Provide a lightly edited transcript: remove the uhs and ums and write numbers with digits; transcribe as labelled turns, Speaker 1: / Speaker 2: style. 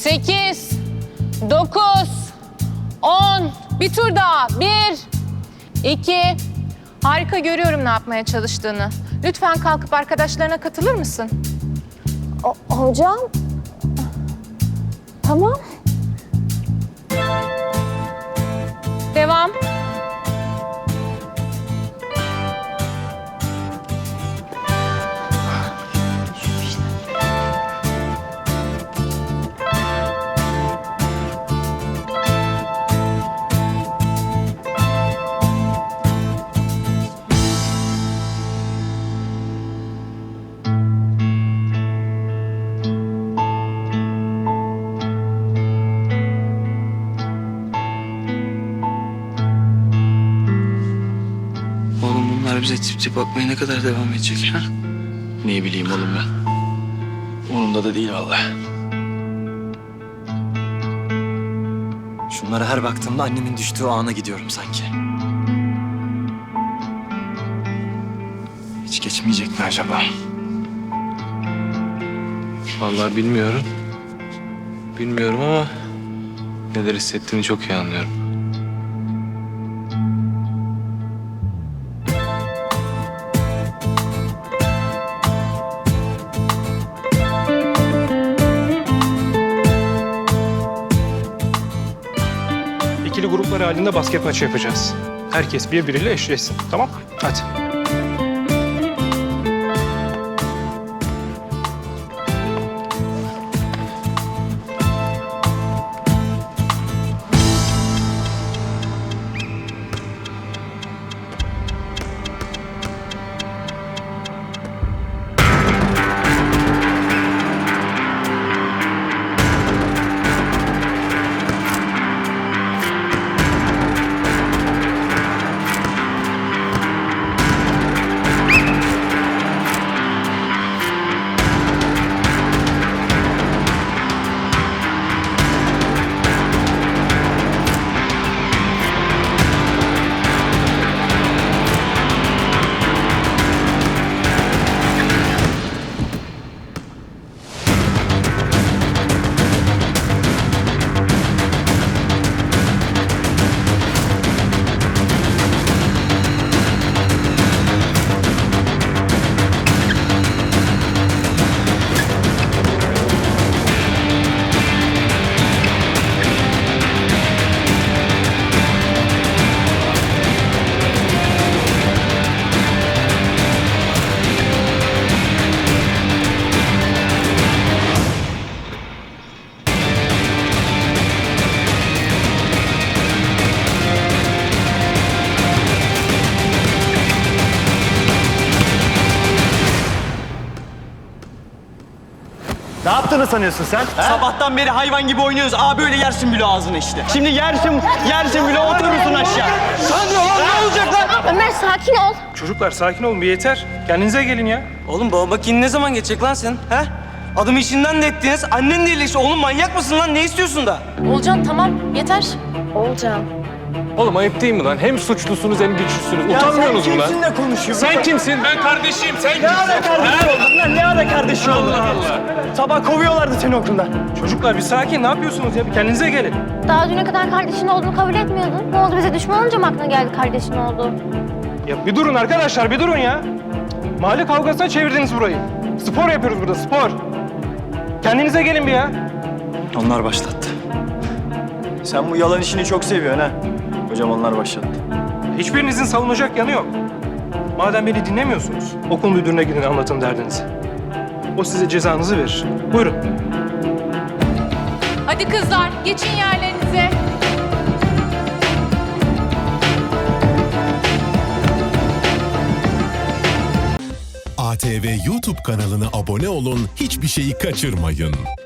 Speaker 1: 8, 9, 10. Bir tur daha. 1, 2. Harika, görüyorum ne yapmaya çalıştığını. Lütfen kalkıp arkadaşlarına katılır mısın?
Speaker 2: Hocam. Tamam.
Speaker 1: Devam.
Speaker 3: Oğlum bunlar bize tip tip bakmaya ne kadar devam edecek ha?
Speaker 4: Ne bileyim oğlum ben. Umurumda da değil vallahi.
Speaker 5: Şunlara her baktığımda annemin düştüğü ana gidiyorum sanki.
Speaker 4: Hiç geçmeyecek mi acaba?
Speaker 6: Vallahi bilmiyorum. Bilmiyorum ama neler hissettiğini çok iyi anlıyorum.
Speaker 7: İkili gruplar halinde basket maçı yapacağız. Herkes birbiriyle eşleşsin. Tamam? Hadi.
Speaker 8: Ne yaptığını sanıyorsun sen?
Speaker 9: Sabahtan beri hayvan gibi oynuyoruz. Aa böyle yersin bile ağzını işte. Şimdi yersin bile oturursun aşağı. Sandra lan ne olacak lan?
Speaker 2: Ömer sakin ol.
Speaker 7: Çocuklar sakin olun, bir yeter. Kendinize gelin ya.
Speaker 9: Oğlum baba bakayım ne zaman geçecek lan sen? He? Adımı işinden de ettiniz. Annen de iyileşti. Oğlum manyak mısın lan? Ne istiyorsun da?
Speaker 1: Olcan tamam, yeter.
Speaker 2: Olcan.
Speaker 6: Oğlum ayıp değil mi lan? Hem suçlusunuz hem güçlüsünüz. Utanmıyorsunuz mu lan?
Speaker 8: Kimsinle konuşuyorsun?
Speaker 6: Sen kimsin? Ben kardeşim. Sen
Speaker 8: Ne ara kardeşin oldun lan? Ne ara kardeşin oldun?
Speaker 6: Allah Allah.
Speaker 8: Sabah kovuyorlardı seni okuldan.
Speaker 7: Çocuklar bir sakin, ne yapıyorsunuz ya? Bir kendinize gelin.
Speaker 2: Daha düne kadar kardeşin olduğunu kabul etmiyordun. Ne oldu, bize düşman olunca mı aklına geldi kardeşin oldu?
Speaker 7: Ya bir durun arkadaşlar, bir durun ya. Mahalle kavgasına çevirdiniz burayı. Spor yapıyoruz burada, spor. Kendinize gelin bir ya.
Speaker 8: Onlar başlattı. Sen bu yalan işini çok seviyorsun ha. Hocam onlar başlattı.
Speaker 7: Hiçbirinizin savunacak yanı yok. Madem beni dinlemiyorsunuz, okul müdürüne gidin anlatın derdinizi. O size cezanızı verir. Buyurun.
Speaker 1: Hadi kızlar, geçin yerlerinize.
Speaker 10: ATV YouTube kanalına abone olun, hiçbir şeyi kaçırmayın.